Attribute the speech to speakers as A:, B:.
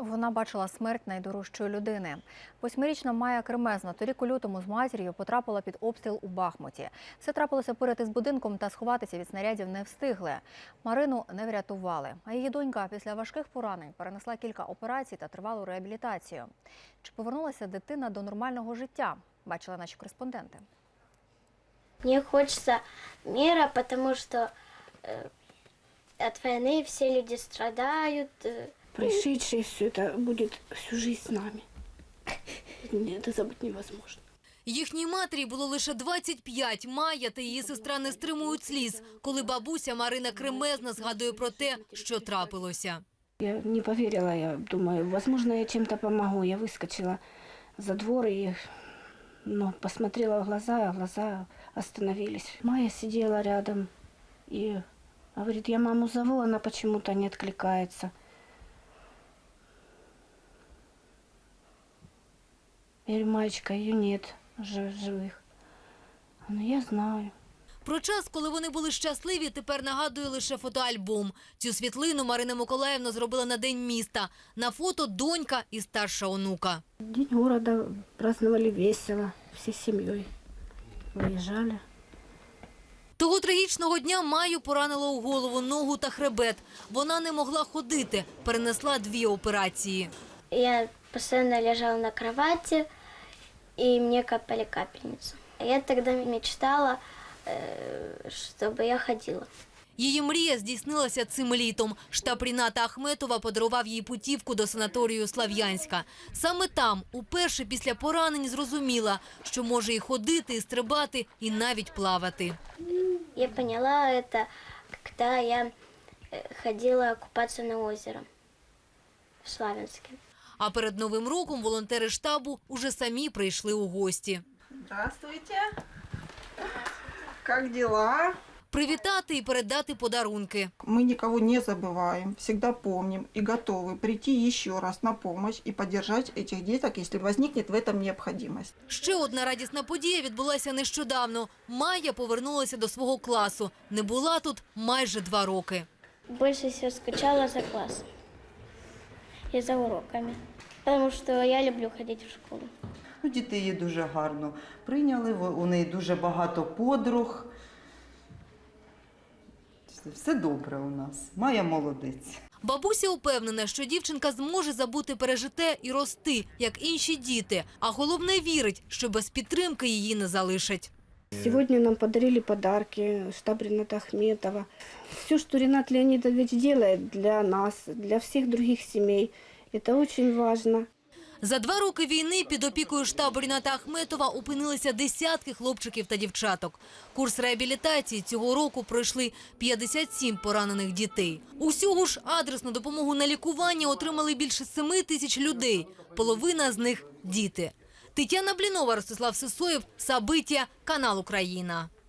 A: Вона бачила смерть найдорожчої людини. 8-річна Майя Кремезна торік у лютому з матір'ю потрапила під обстріл у Бахмуті. Все трапилося поряд із будинком та сховатися від снарядів не встигли. Марину не врятували. А її донька після важких поранень перенесла кілька операцій та тривалу реабілітацію. Чи повернулася дитина до нормального життя? Бачили наші кореспонденти.
B: Мне хочется мира, потому что от войны все люди страдают.
C: Происшедшее все это будет всю жизнь с нами. Это забыть невозможно.
D: Їхній матері було лише 25. Майя та її сестра не стримують сліз, коли бабуся Марина Кремезна згадує про те, що трапилося.
C: Я не поверила, я думаю, возможно, я чем-то помогу. Я выскочила за двор и посмотрела в глаза, а глаза остановились. Майя сидела рядом и говорит, я маму зову, она почему-то не откликается. Я говорю, Маечка, ее нет живых. Она, я знаю.
D: Про час, коли вони були щасливі, тепер нагадує лише фотоальбом. Цю світлину Марина Миколаївна зробила на День міста. На фото донька і старша онука.
C: День города праздновали весело, всей семьей. Выезжали.
D: Того трагічного дня Майю поранило у голову, ногу та хребет. Вона не могла ходити, перенесла 2 операції.
B: Я постоянно лежала на кровати, и мне капали капельницу. Я тогда мечтала, чтобы я ходила.
D: Її мрія здійснилася цим літом. Штаб Ріната Ахметова подарував їй путівку до санаторію Слов'янська. Саме там, уперше після поранень, зрозуміла, що може і ходити, і стрибати, і навіть плавати.
B: Я поняла это, когда я ходила купаться на озеро в Славянске.
D: А перед Новим роком волонтери штабу уже самі прийшли у гості.
E: Здравствуйте. Как дела?
D: Привітати і передати подарунки.
E: Мы никого не забываем, всегда помним и готовы прийти еще раз на помощь и поддержать этих деток, если возникнет в этом необходимость.
D: Ще одна радісна подія відбулася нещодавно. Майя повернулася до свого класу. Не була тут майже 2 роки.
B: Больше всего скучала за классом и за уроками, потому что я люблю ходить в школу.
F: Діти її дуже гарно прийняли, у неї дуже багато подруг. Все добре у нас. Майя молодець.
D: Бабуся упевнена, що дівчинка зможе забути пережите і рости, як інші діти. А головне вірить, що без підтримки її не залишать.
C: Сегодня нам подарили подарки, штаб Рината Ахметова. Все, что Ринат Леонидович делает для нас, для всех других семей, это очень важно.
D: За 2 роки війни під опікою штабу Ріната Ахметова опинилися десятки хлопчиків та дівчаток. Курс реабілітації цього року пройшли 57 поранених дітей. Усього ж адресну допомогу на лікування отримали більше 7 тисяч людей. Половина з них – діти. Тетяна Блінова, Ростислав Сисоєв, Сабиття, канал Україна.